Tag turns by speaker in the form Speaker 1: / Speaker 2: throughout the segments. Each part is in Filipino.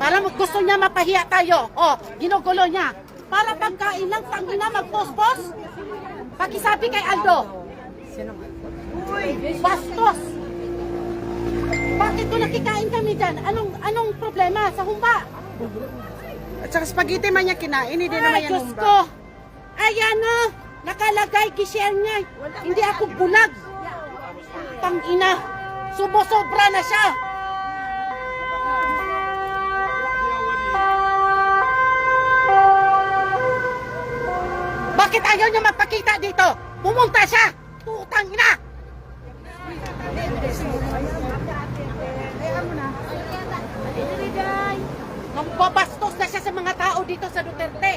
Speaker 1: Para gusto niya mapahiya tayo. O, ginugulo niya. Para pagkain lang, tangina, magpospos. Pakisabi kay Aldo. Uy, bastos. Bakit ko nakikain kami dyan? Anong problema sa humba?
Speaker 2: At saka spaghetti man niya kinain, hindi naman
Speaker 1: Ay,
Speaker 2: yan
Speaker 1: Diyos
Speaker 2: humba.
Speaker 1: ko. Ayan o. Nakalagay, gishare niya. Hindi ako bulag. Tangina. Subo-sobra na siya. Bakit ayaw niya magpakita dito? Pumunta siya! Tutang ina! Nambabastos na siya sa mga tao dito sa Duterte.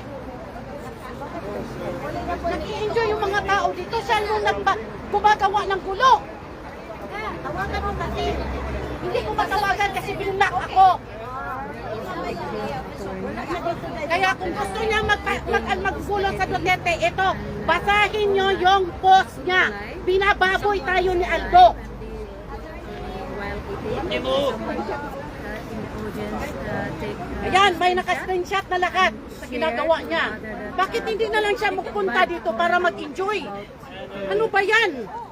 Speaker 1: Nag-i-enjoy yung mga tao dito. Siya yung gumagawa ng gulo. Tawagan mo kasi. Hindi ko matawagan kasi binlock ako. Kaya kung gusto niya maggulo sa Duterte, ito, basahin niyo yung post niya. Binababoy tayo ni Aldo. Ayan, may naka-screenshot na lahat sa ginagawa niya. Bakit hindi na lang siya magpunta dito para mag-enjoy? Ano ba yan?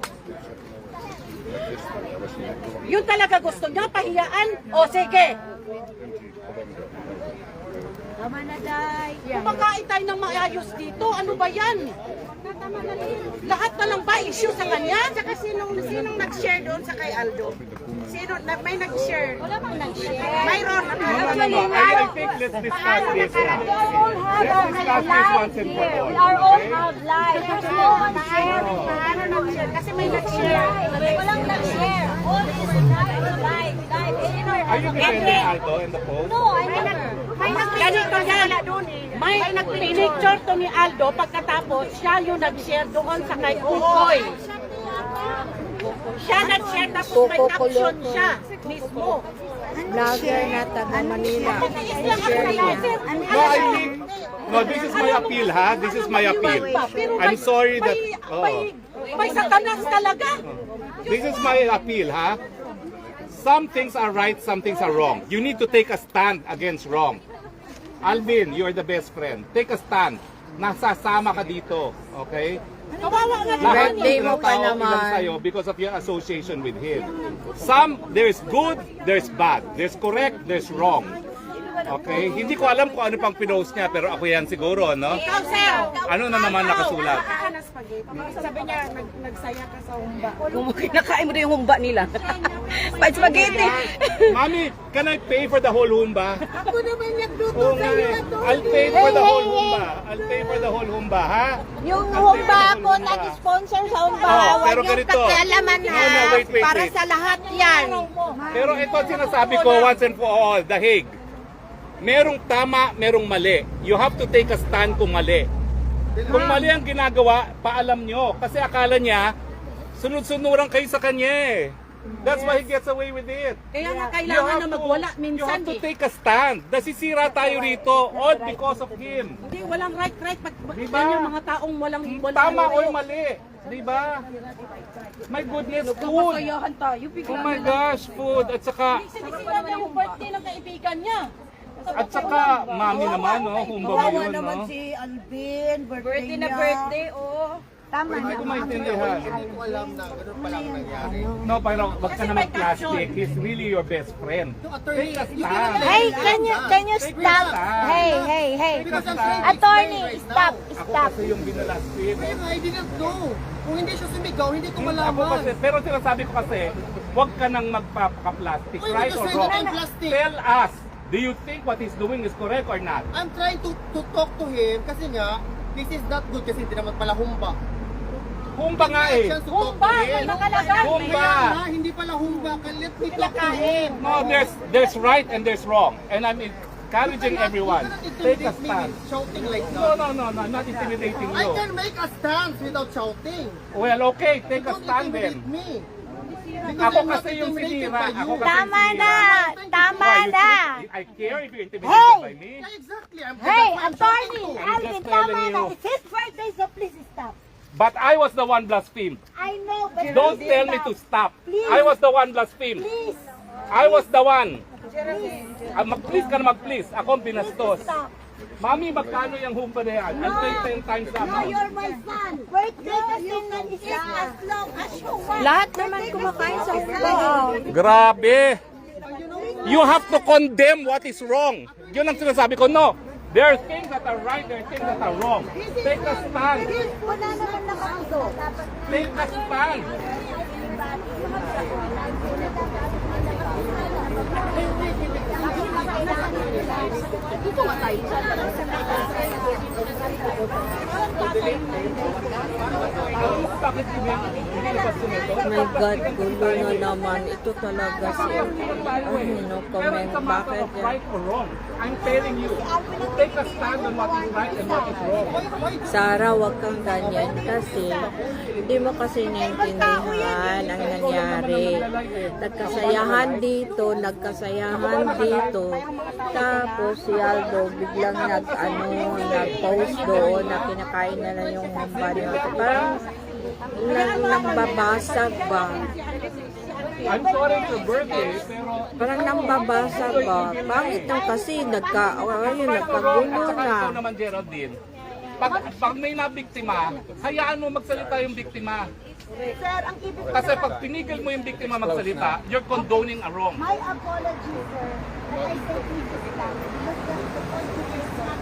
Speaker 1: Yun talaga gusto niya, pahiyaan? O sige.
Speaker 3: Tama na, Day.
Speaker 1: Kumakain tayo ng maayos dito. Ano ba yan? Lahat na lang ba issue sa kanya?
Speaker 2: Saka sinong nag-share doon sa kay Aldo? May nag-share?
Speaker 3: Wala bang nag-share?
Speaker 2: Mayroon.
Speaker 4: I think let's discuss this.
Speaker 3: We all have
Speaker 4: Let's discuss this once and for
Speaker 3: here.
Speaker 4: all.
Speaker 3: We are all
Speaker 4: okay?
Speaker 3: have lives. There's no one share.
Speaker 2: Kasi may nag-share.
Speaker 3: Walang nag-share. All is live.
Speaker 4: Are you defending Aldo in the post?
Speaker 3: No, I never.
Speaker 1: Ganito yan. May nag-picture to ni Aldo pagkatapos siya yung nag-share doon sa kay Ukoy. Siya nag-share tapos may caption siya mismo.
Speaker 2: Vlogger na taga Manila.
Speaker 4: No, I think, no, this is my appeal, ha? This is my appeal. I'm sorry that,
Speaker 1: May satanas talaga.
Speaker 4: this is my appeal, ha? Some things are right, some things are wrong. You need to take a stand against wrong. Alvin, you're the best friend. Take a stand. Nasasama ka dito, okay?
Speaker 1: Kawawa nga
Speaker 4: Lahat
Speaker 1: naman.
Speaker 2: Birthday
Speaker 4: ng
Speaker 2: mo pa
Speaker 4: tao
Speaker 2: naman.
Speaker 4: ilang sa'yo because of your association with him. Some, there's good, there's bad. There's correct, there's wrong. Okay? Hindi ko alam kung ano pang pinost niya, pero ako yan siguro, no?
Speaker 1: Ikaw, sir.
Speaker 4: Ano na naman nakasulat?
Speaker 2: Sabi niya, nagsaya ka sa humba.
Speaker 5: Kung kinakain mo na yung humba nila. Pa spaghetti.
Speaker 4: Mami, can I pay for the whole humba?
Speaker 2: Ako naman nagluto
Speaker 4: Oo nga eh. I'll pay for the whole humba. I'll pay for the whole humba, ha?
Speaker 3: Yung
Speaker 4: I'll pay for
Speaker 3: humba
Speaker 4: the
Speaker 3: ako,
Speaker 4: whole humba.
Speaker 3: nag-sponsor sa humba.
Speaker 4: Oh,
Speaker 3: Huwag
Speaker 4: pero
Speaker 3: yung
Speaker 4: ganito.
Speaker 3: kakialaman
Speaker 4: No,
Speaker 3: ha.
Speaker 4: no, wait.
Speaker 3: Para sa lahat yan.
Speaker 4: Pero ito ang sinasabi ko once and for all, The Hague. Merong tama, merong mali. You have to take a stand kung mali. Kung mali ang ginagawa, paalam nyo. Kasi akala niya, sunod-sunuran kayo sa kanya eh. That's why he gets away with it.
Speaker 1: Kaya nga kailangan na magwala
Speaker 4: You
Speaker 1: minsan
Speaker 4: have to
Speaker 1: eh.
Speaker 4: take a stand. Nasisira tayo rito all because of him.
Speaker 1: Hindi, walang right.
Speaker 4: Diba?
Speaker 1: Yan yung mga taong walang
Speaker 4: Tama o mali. Diba? My goodness, food. Oh my gosh, food. At saka,
Speaker 1: Sinisira niya yung birthday ng kaibigan niya.
Speaker 4: at saka, mami naman, no? Humba ba yun, no?
Speaker 2: si Alvin,
Speaker 5: Birthday na birthday, oh.
Speaker 3: Tama
Speaker 4: Hindi
Speaker 3: na.
Speaker 4: ko maintindihan. No, pero wag ka naman plastic. He's really your best friend. Take a stand.
Speaker 3: Hey, can you stop? Hey. Attorney, stop.
Speaker 4: Ako kasi yung binalastin.
Speaker 6: I didn't know. Kung hindi siya sumigaw, hindi ko
Speaker 4: Ako
Speaker 6: malaman.
Speaker 4: kasi, pero sinasabi ko kasi, wag ka nang magpapaka-plastic,
Speaker 6: Uy,
Speaker 4: right or
Speaker 6: kasi
Speaker 4: wrong?
Speaker 6: naman plastic.
Speaker 4: Tell us, do you think what he's doing is correct or not?
Speaker 6: I'm trying to talk to him kasi nga, this is not good kasi hindi naman pala humba.
Speaker 4: Humba nga eh.
Speaker 6: Chance to talk to
Speaker 1: Humba,
Speaker 6: him.
Speaker 1: nakalagay.
Speaker 4: Humba.
Speaker 6: Kaya nga, hindi pala humba. Let me talk to him.
Speaker 4: No, there's right and there's wrong. And I'm encouraging everyone. Take a stand.
Speaker 6: Shouting like
Speaker 4: No,
Speaker 6: that.
Speaker 4: no, I'm not intimidating
Speaker 6: I
Speaker 4: you.
Speaker 6: can make a stance without shouting.
Speaker 4: Well, okay, take a
Speaker 6: Don't
Speaker 4: stand
Speaker 6: intimidate
Speaker 4: then.
Speaker 6: me.
Speaker 4: Ako kasi yung sinira. Ako kasi
Speaker 3: Tama
Speaker 4: yung
Speaker 3: na.
Speaker 4: sinira.
Speaker 3: Tama
Speaker 4: Why, you
Speaker 3: na.
Speaker 4: think I care if you're intimidated by me?
Speaker 6: Yeah, exactly.
Speaker 3: Hey,
Speaker 6: that's why I'm
Speaker 3: attorney,
Speaker 6: shouting to him.
Speaker 3: Alvin,
Speaker 4: just telling
Speaker 3: tama na.
Speaker 4: you.
Speaker 3: It's his birthday, so please stop.
Speaker 4: But I was the one blasphemed.
Speaker 3: I know, but
Speaker 4: Don't
Speaker 3: please
Speaker 4: tell me
Speaker 3: stop.
Speaker 4: to stop.
Speaker 3: Please.
Speaker 4: I was the one blasphemed.
Speaker 3: Please.
Speaker 4: I was the one. Mag-please ka na mag-please. Ako ang binastos. Mami, magkano yung humpa na yan? I'll pay 10 times that amount.
Speaker 3: my son. Wait, you can eat as long as you want.
Speaker 5: Lahat naman kumakain sa humba.
Speaker 4: Grabe! You have to condemn what is wrong. Yun ang sinasabi ko, no. There are things that are right, there are things that are wrong. Take a stand.
Speaker 3: Wala naman nakauso.
Speaker 4: Take a stand. Bakit hindi ba sumito?
Speaker 5: My God, gulo na naman. Ito talaga si no comment.
Speaker 4: It's a matter
Speaker 5: Bakit
Speaker 4: of
Speaker 5: yan?
Speaker 4: right or wrong. I'm telling you, take a stand on what is right and what is wrong.
Speaker 5: Sarah, wag kang ganyan kasi hindi mo kasi naintindihan ang nangyari. Nagkasayahan dito, tapos si Aldo biglang nag-post doon na kinakain na lang yung humba niya. Parang nambabasag ba?
Speaker 4: I'm sorry it's your birthday, pero
Speaker 5: Parang nambabasag ba? Pangit lang kasi nagkagulo
Speaker 4: Saka
Speaker 5: na.
Speaker 4: ikaw naman, Geraldine, pag may nabiktima, hayaan mo magsalita yung biktima.
Speaker 3: Sir, ang ibig
Speaker 4: Kasi pag pinigil mo yung biktima magsalita, you're condoning a wrong.
Speaker 3: my apology, sir. That I said please stop. Because the point is not